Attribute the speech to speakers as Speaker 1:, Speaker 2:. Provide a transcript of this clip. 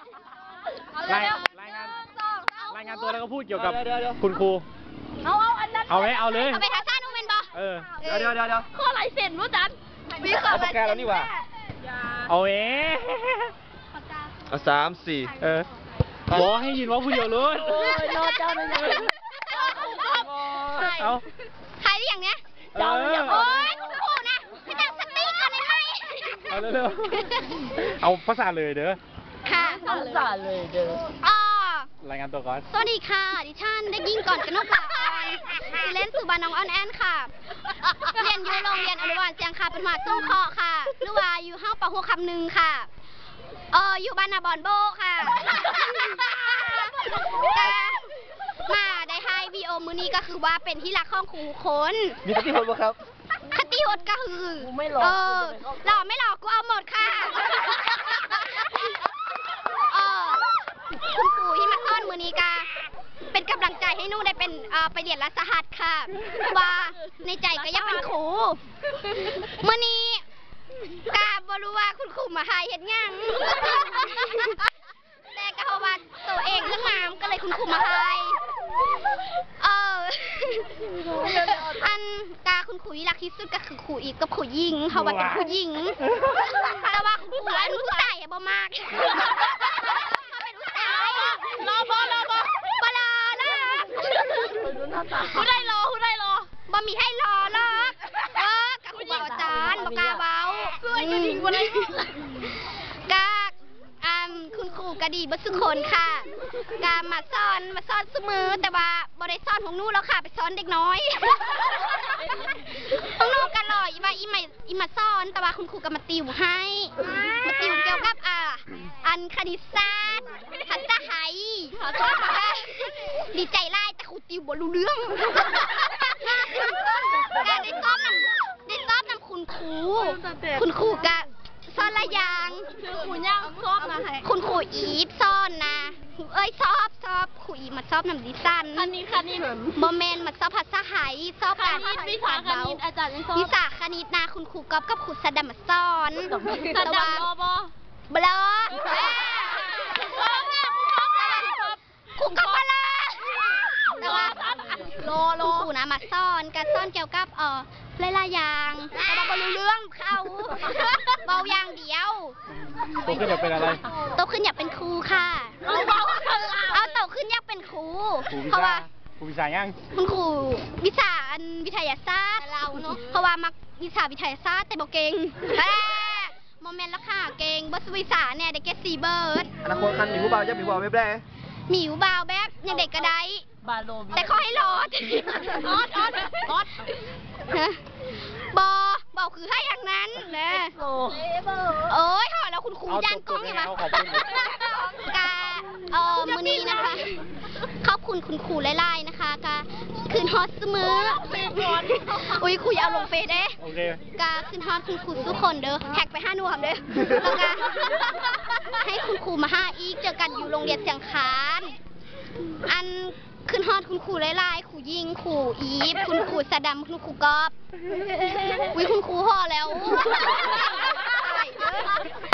Speaker 1: รายงานตัวแล้วก็พูดเกี่ยวกับคุณครูเอาอันนั้นเอาไหมเอาเลย
Speaker 2: เอาไปทาซ่านูเมนบอ
Speaker 3: เดี๋ยว
Speaker 2: ข้อลายเซ็นรู้จันมีข้อลายเซ็น
Speaker 3: เอาปากกาแล้วนี่หว่า
Speaker 1: เอา
Speaker 3: เอา3 4
Speaker 1: บอกให้ยินว่าผู้เดียวรู้
Speaker 2: โน้ตเจ้าไม่เลย
Speaker 1: เอา
Speaker 2: ใครอย่างเนี้ยโอ้ยคุณครูนะพี่ตั้งสติกันได้ไหม
Speaker 1: เอาเร็วๆเอาภาษาเลยเด้อ
Speaker 2: ค่ะภาษาเลยเด้อ
Speaker 1: รายงานตัวก่อน
Speaker 2: สวัสดีค่ะดิฉันได้ยิ่งก่อนกนกลาออนชื่อเล่นสุบาน้องออนแอนค่ะเรียนอยู่โรงเรียนอนุบาลเชียงคาเป็นหมาตุ้งเคาะค่ะหรือว่าอยู่ห้องป.6 คำ 1ค่ะอยู่บ้านนาบอนโบค่ะมาได้ให้วีโอมือนี้ก็คือว่าเป็นที่รักของครูคน
Speaker 3: มีคติพจน์ป่ะครับ
Speaker 2: คติพจน์ก็คือไม่หลอกหลอกไม่หลอกกูเอาหมดค่ะคุณครูที่มาต้อนมือนี้กาเป็นกำลังใจให้หนูได้เป็นไปเรียนรัฐสหัสค่ะว่าในใจก็ยังเป็นครูมือนี้กาบรู้ว่าคุณครูมาหายเห็นยังแต่ก็เพราะว่าตัวเองเรื่องงามก็เลยคุณครูมาหายอันกาคุณครูที่รักที่สุดก็คือครูอีกกับครูยิงเขาว่าเป็นครูยิงแต่ว่าคุณครูอันรู้ใจบ่มากรอบอนะคุณได้รอบ่มีให้รอหรอกกับคุณอาจารย์บอกกาเบาช่วยกันดีกว่าเลยกาคุณครูก็ดีบัสุคนค่ะกามาสอนเสมอแต่ว่าบ่ได้สอนของหนูแล้วค่ะไปสอนเด็กน้อยของหนูกันหล่ออีมาสอนแต่ว่าคุณครูก็มาติวให้มาติวเกี่ยวกับอันคณิตศาสตร์ภาษาไทยดีใจไล่แต่ครูติวบ่รู้เรื่องการได้ซ้อมนำคุณครูก็สอนละอย่างคุณย่างชอบนะคุณครูอีฟสอนนะชอบครูอีฟมาชอบนำดิซันคันนี้โมเมนต์มาชอบภาษาไทยชอบการวิชาคณิตอาจารย์ยังชอบวิชาคณิตนะคุณครูก๊อฟกับครูสดัมมาสอนสดัมบลอครูก๊อฟบลอแต่ว่าครูนะมาสอนการสอนเกี่ยวกับหลายๆอย่างแต่เราไม่รู้เรื่องเขาเบาอย่างเดียว
Speaker 1: โตขึ้นอยากเป็นอะไร
Speaker 2: โตขึ้นอยากเป็นครูค่ะเอาโตขึ้นอยากเป็นครูเพราะว่า
Speaker 1: ครูวิชายัง
Speaker 2: คุณครูวิชาวิทยาศาสตร์เราเนาะเพราะว่ามักวิชาวิทยาศาสตร์แต่บอกเก่งโมเมนต์แล้วค่ะเก่งบัสวิชาเนี่ยได้แค่4 เบิร์ด
Speaker 3: อนาคตคันมีผู้บ่าวจะมีผู้บ่าวไม่ได้
Speaker 2: มีผู้บ่าวแบบยังเด็กก็ได้แต่ขอให้รอดบอคือให้อย่างนั้นนะโอ้ยห่อแล้วคุณครูย่างกล้องใช่ไหมกามือนี้นะคะขอบคุณคุณครูไล่ๆนะคะกาคืนฮอตเสมออุ้ยคุยเอาลงเฟซเด้กาคืนฮอตคุณครูทุกคนเด้อแท็กไป5 หน่วยเด้อแล้วกาให้คุณครูมา5อีกเจอกันอยู่โรงเรียนเชียงคานอันขึ้นฮอดคุณครูไล่ๆครูยิงครูอีฟคุณครูสดัมคุณครูกอบวิคุณครูห่อแล้ว